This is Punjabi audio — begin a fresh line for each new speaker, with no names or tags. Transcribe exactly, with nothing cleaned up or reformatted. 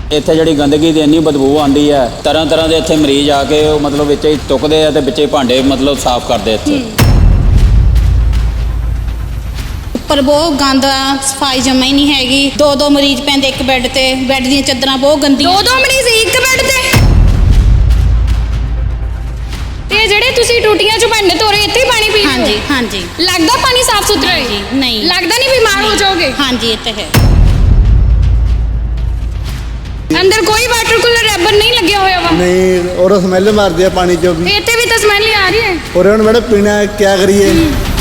ਇੱਥੇ ਜਿਹੜੀ ਗੰਦਗੀ ਦੀ ਇੰਨੀ ਬਦਬੂ ਆਉਂਦੀ ਹੈ, ਤਰ੍ਹਾਂ ਤਰ੍ਹਾਂ ਦੇ ਇੱਥੇ ਮਰੀਜ਼ ਆ ਕੇ ਉਹ ਮਤਲਬ ਵਿੱਚ ਹੀ ਚੁੱਕਦੇ ਆ ਤੇ ਵਿੱਚ ਹੀ ਭਾਂਡੇ ਮਤਲਬ ਸਾਫ਼ ਕਰਦੇ ਇੱਥੇ।
ਉੱਪਰ ਬਹੁਤ ਗੰਦ ਆ, ਸਫਾਈ ਜਮਾ ਹੀ ਨਹੀਂ ਹੈਗੀ। ਦੋ ਦੋ ਮਰੀਜ਼ ਪੈਂਦੇ ਇੱਕ ਬੈੱਡ ਤੇ, ਬੈੱਡ ਦੀਆਂ ਚਾਦਰਾਂ ਬਹੁਤ ਗੰਦੀਆਂ।
ਦੋ ਦੋ ਮਰੀਜ਼ ਇੱਕ ਬੈੱਡ ਤੇ। ਤੇ ਜਿਹੜੇ ਤੁਸੀਂ ਟੂਟੀਆਂ ਚੋਂ ਭਾਂਡੇ ਧੋ ਰਹੇ ਇੱਥੇ ਹੀ ਪਾਣੀ ਪੀ ਰਹੇ ਹੋ?
ਹਾਂਜੀ ਹਾਂਜੀ।
ਲੱਗਦਾ ਪਾਣੀ ਸਾਫ਼ ਸੁਥਰਾ ਹੈ?
ਜੀ ਨਹੀਂ
ਲੱਗਦਾ ਨਹੀਂ ਬਿਮਾਰ ਹੋ ਜਾਓਗੇ?
ਹਾਂਜੀ ਇਹ ਤਾਂ ਹੈ।
ਅੰਦਰ ਕੋਈ ਵਾਟਰ ਕੂਲਰ ਰੈਬਰ ਨਹੀਂ ਲੱਗਿਆ ਹੋਇਆ ਵਾ?
ਨਹੀਂ, ਔਰ ਸਮੈਲ ਮਾਰਦੀ ਆ ਪਾਣੀ ਚੋਂ ਵੀ।
ਇੱਥੇ ਵੀ ਤਾਂ ਸਮੈਲ ਆ ਰਹੀ ਹੈ।
ਔਰ ਹੁਣ ਮੈਡਮ ਪੀਣਾ ਕੀ ਕਰੀਏ?